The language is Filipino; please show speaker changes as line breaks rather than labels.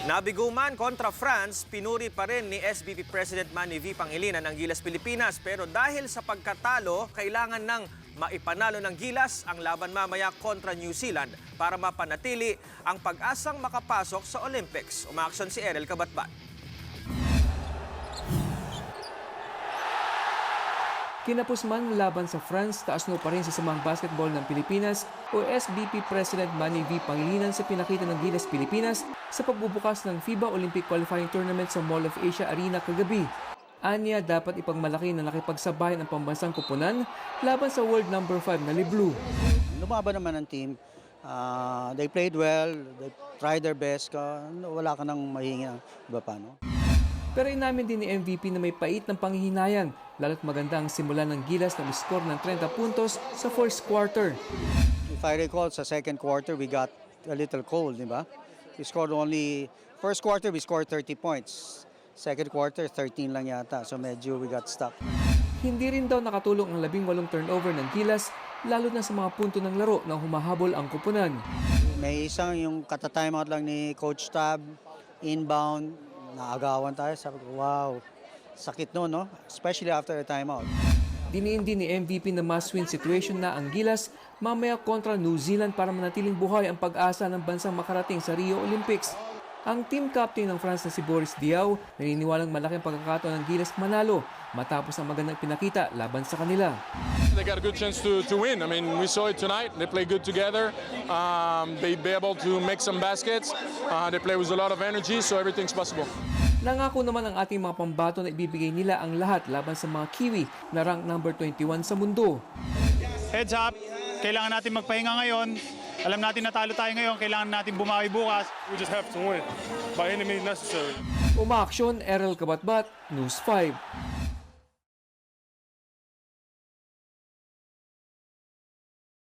Nabiguman kontra France, pinuri pa rin ni SBP President Manny V. Pangilinan ang Gilas Pilipinas. Pero dahil sa pagkatalo, kailangan ng maipanalo ng Gilas ang laban mamaya kontra New Zealand para mapanatili ang pag-asang makapasok sa Olympics. Umaaksyon si Erel Kabatbat.
Kinapos man laban sa France, taas-no pa rin sa Samang Basketball ng Pilipinas o SBP President Manny V. Pangilinan sa pinakita ng Gilas Pilipinas sa pagbubukas ng FIBA Olympic Qualifying Tournament sa Mall of Asia Arena kagabi. Anya, dapat ipagmalaki na nakipagsabayan ang pambansang kupunan laban sa world number 5 na Liblu.
Lumaban naman ang team. They played well, they tried their best. Wala ka nang mahingi ng iba pa, no?
Pero inamin din ni MVP na may pait ng panghihinayang, lalo't maganda ang simula ng Gilas na score ng 30 puntos sa first quarter.
If I recall, sa second quarter, we got a little cold, di ba? We scored first quarter, we scored 30 points. Second quarter, 13 lang yata. So medyo we got stuck.
Hindi rin daw nakatulong ang 18 turnover ng Gilas, lalo na sa mga punto ng laro na humahabol ang kupunan.
May isang yung kata-timeout lang ni Coach Tab, inbound, naagawan tayo. Sabi ko, wow, sakit no? Especially after a timeout.
Diniin din ni MVP na must-win situation na ang Gilas mamaya kontra New Zealand para manatiling buhay ang pag-asa ng bansang makarating sa Rio Olympics. Ang team captain ng France na si Boris Diaw naniniwalang malaking pagkakataon ng Gilas manalo matapos ang magandang pinakita laban sa kanila.
They got a good chance to win. I mean, we saw it tonight. They play good together. They be able to make some baskets. They play with a lot of energy, so everything's possible.
Nangako naman ang ating mga pambato na ibibigay nila ang lahat laban sa mga Kiwi na rank number 21 sa mundo.
Heads up, kailangan natin magpahinga ngayon. Alam natin natalo tayo ngayon, kailangan natin bumawi bukas.
We just have to win by any means necessary.
Umaaksyon, Erel Kabatbat, News 5.